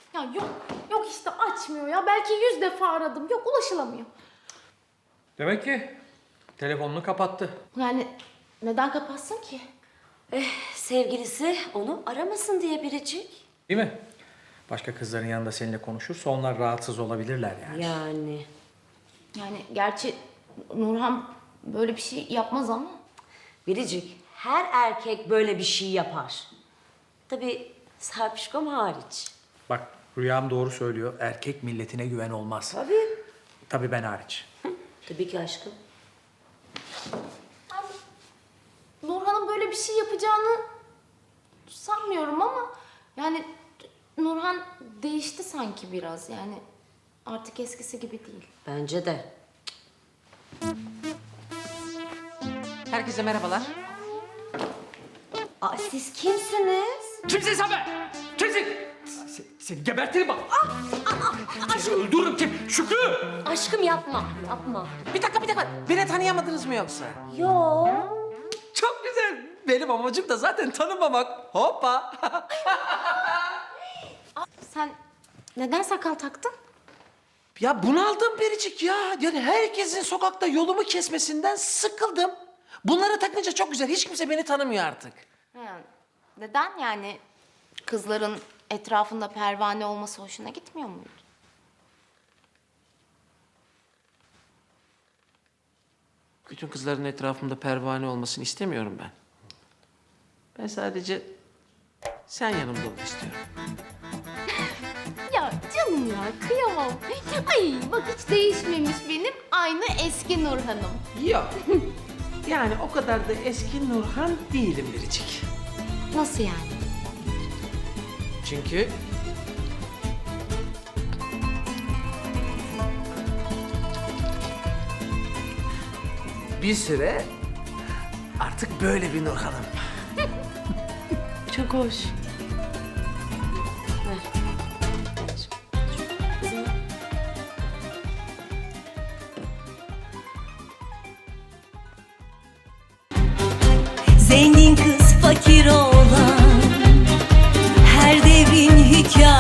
Ya yok işte açmıyor ya. Belki 100 defa aradım. Yok, ulaşılamıyor. Demek ki telefonunu kapattı. Yani neden kapatsın ki? Sevgilisi onu aramasın diye Biricik. Değil mi? Başka kızların yanında seninle konuşursa onlar rahatsız olabilirler yani. Yani gerçi Nurhan böyle bir şey yapmaz ama. Biricik, her erkek böyle bir şey yapar. Tabii Sarpişkom hariç. Bak Rüyam doğru söylüyor. Erkek milletine güven olmaz. Tabii. Tabii ben hariç. Tabii ki aşkım. Nurhan'ın böyle bir şey yapacağını sanmıyorum ama yani Nurhan değişti sanki biraz, yani artık eskisi gibi değil. Bence de. Herkese merhabalar. Aa, siz kimsiniz? Kimsin sen be? Kimsin? Seni gebertirim bak. Seni öldürürüm kim? Şükrü! Aşkım yapma, yapma. Bir dakika. Beni tanıyamadınız mı yoksa? Yo. Çok güzel. Benim amacım da zaten tanımamak. Hoppa. Sen neden sakal taktın? Ya bunaldım Biricik ya. Yani herkesin sokakta yolumu kesmesinden sıkıldım. Bunları takınca çok güzel. Hiç kimse beni tanımıyor artık. Neden yani? Kızların etrafında pervane olması hoşuna gitmiyor muydu? Bütün kızların etrafımda pervane olmasını istemiyorum ben. Ben sadece sen yanımda ol istiyorum. Ya canım ya, kıyamam. Ay bak, hiç değişmemiş benim aynı eski Nurhan'ım. Yok. Yani o kadar da eski Nurhan değilim Biricik. Nasıl yani? Çünkü bir süre artık böyle bir Nurhan'ım. Çok hoş. Zengin kız fakir olan her devrin hikayesi.